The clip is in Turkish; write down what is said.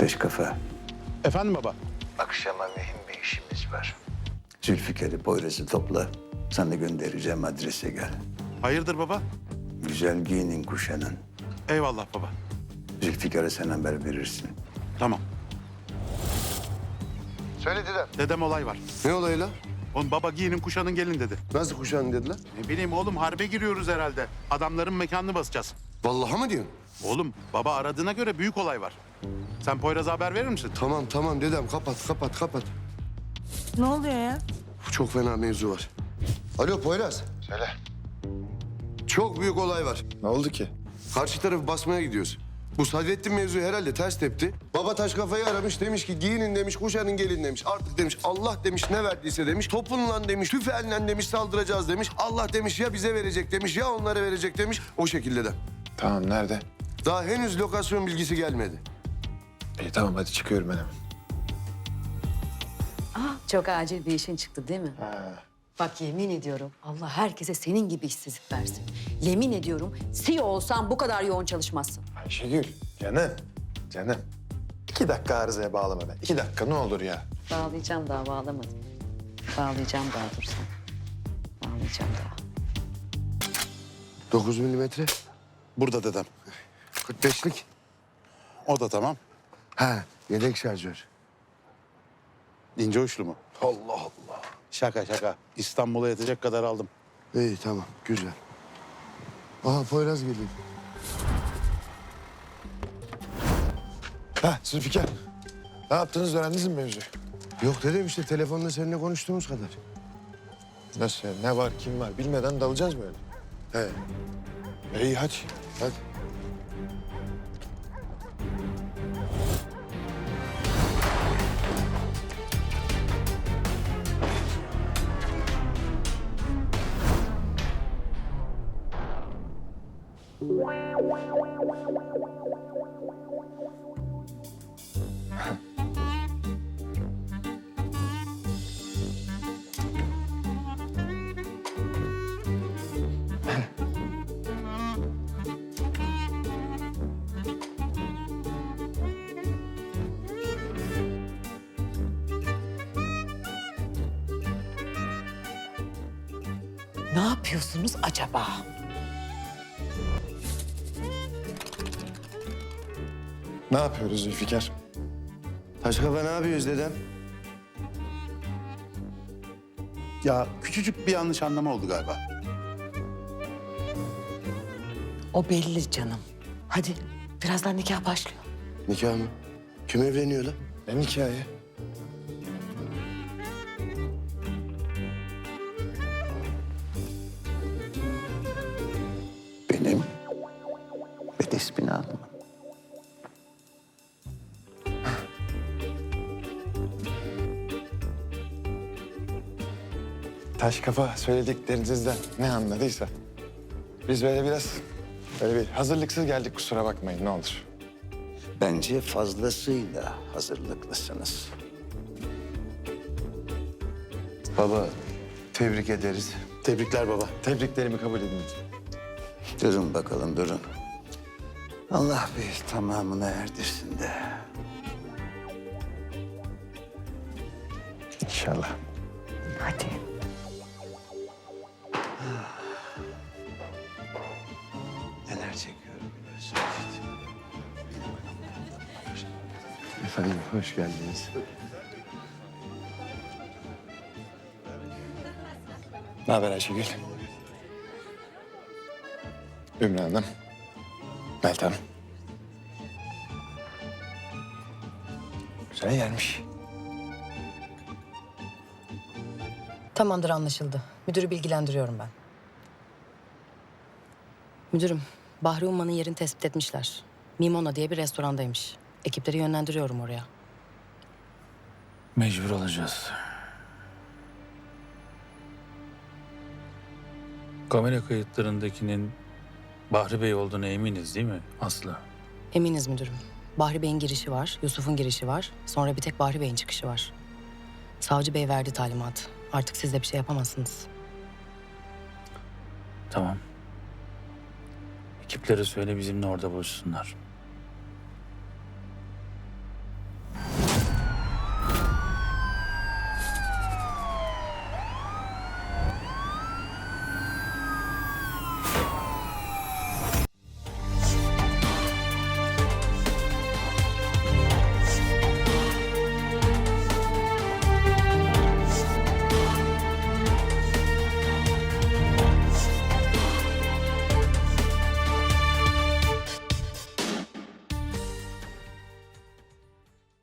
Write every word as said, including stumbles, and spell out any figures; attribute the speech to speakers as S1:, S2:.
S1: Beş kafa.
S2: Efendim baba?
S1: Akşama mühim bir işimiz var. Zülfikar'ı, Poyraz'ı topla. Sana göndereceğim adrese gel.
S2: Hayırdır baba?
S1: Güzel giyinin, kuşanın.
S2: Eyvallah baba.
S1: Zülfikar'a sen haber verirsin.
S2: Tamam.
S3: Söyle dedem.
S2: Dedem olay var.
S3: Ne olayı lan?
S2: Oğlum baba giyinin kuşanın gelin dedi.
S3: Nasıl kuşağın dediler?
S2: Ne bileyim oğlum harbe giriyoruz herhalde. Adamların mekanını basacağız.
S3: Vallahi mı diyorsun?
S2: Oğlum baba aradığına göre büyük olay var. Sen Poyraz'a haber verir misin?
S3: Tamam tamam dedem kapat kapat kapat.
S4: Ne oluyor ya?
S3: Çok fena mevzu var. Alo Poyraz. Söyle. Çok büyük olay var.
S5: Ne oldu ki?
S3: Karşı tarafı basmaya gidiyoruz. Bu Sadrettin mevzu herhalde ters tepti. Baba taş kafayı aramış demiş ki giyinin demiş kuşanın gelin demiş. Artık demiş Allah demiş ne verdiyse demiş. Topunla demiş tüfeğinle demiş saldıracağız demiş. Allah demiş ya bize verecek demiş ya onlara verecek demiş. O şekilde de.
S5: Tamam, nerede?
S3: Daha henüz lokasyon bilgisi gelmedi.
S5: İyi tamam, hadi çıkıyorum ben hemen.
S6: Çok acil bir işin çıktı değil mi?
S5: Ha.
S6: Bak yemin ediyorum Allah herkese senin gibi işsizlik versin. Yemin ediyorum C E O olsan bu kadar yoğun çalışmazsın.
S5: Ayşegül, canım, canım. İki dakika arızaya bağlama ben. İki dakika ne olur ya.
S6: Bağlayacağım daha bağlamadım. Bağlayacağım daha dur sen. Bağlayacağım daha.
S3: Dokuz milimetre.
S2: Burada dedem.
S3: kırk beşlik.
S2: O da tamam.
S3: Ha yedek şarjör.
S2: İnce uçlu mu?
S3: Allah Allah.
S2: Şaka şaka. İstanbul'a yetecek kadar aldım.
S3: İyi tamam güzel. Aha Poyraz geliyor.
S5: Ha Zülfikar. Ne yaptınız, öğrendiniz mi mevzuyu?
S3: Yok dedim işte telefonda seninle konuştuğumuz kadar.
S5: Nasıl yani? Ne var, kim var bilmeden dalacağız mı öyle?
S3: He
S5: İyi hadi.
S3: hadi.
S6: Ne yapıyorsunuz acaba?
S5: Ne yapıyoruz Zülfikar?
S3: Taş kafa ne yapıyoruz dedem?
S2: Ya küçücük bir yanlış anlama oldu galiba.
S6: O belli canım. Hadi birazdan nikah başlıyor.
S3: Nikah mı? Kim evleniyor lan?
S5: Ne hikaye?
S1: Benim ve de ismini alma.
S5: Taş kafa söylediklerinizden ne anladıysa. Biz böyle biraz böyle bir hazırlıksız geldik, kusura bakmayın ne olur.
S1: Bence fazlasıyla hazırlıklısınız.
S3: Baba tebrik ederiz.
S2: Tebrikler baba.
S5: Tebriklerimi kabul edin.
S1: Durun bakalım, durun. Allah bir tamamına erdirsin de.
S5: İnşallah.
S6: Hadi.
S1: Neler çekiyorum biliyorsunuz.
S3: Efendim hoş geldiniz.
S5: Ne haber Ayşegül? Ümran Hanım. Meltem. Güzel yermiş.
S7: Tamamdır, anlaşıldı. Müdürü bilgilendiriyorum ben. Müdürüm, Bahri Umman'ın yerini tespit etmişler. Mimona diye bir restorandaymış. Ekipleri yönlendiriyorum oraya.
S8: Mecbur olacağız. Kamera kayıtlarındakinin Bahri Bey olduğuna eminiz değil mi Aslı?
S7: Eminiz müdürüm. Bahri Bey'in girişi var, Yusuf'un girişi var. Sonra bir tek Bahri Bey'in çıkışı var. Savcı Bey verdi talimat. Artık siz de bir şey yapamazsınız.
S8: Tamam. Ekiplere söyle bizimle orada buluşsunlar.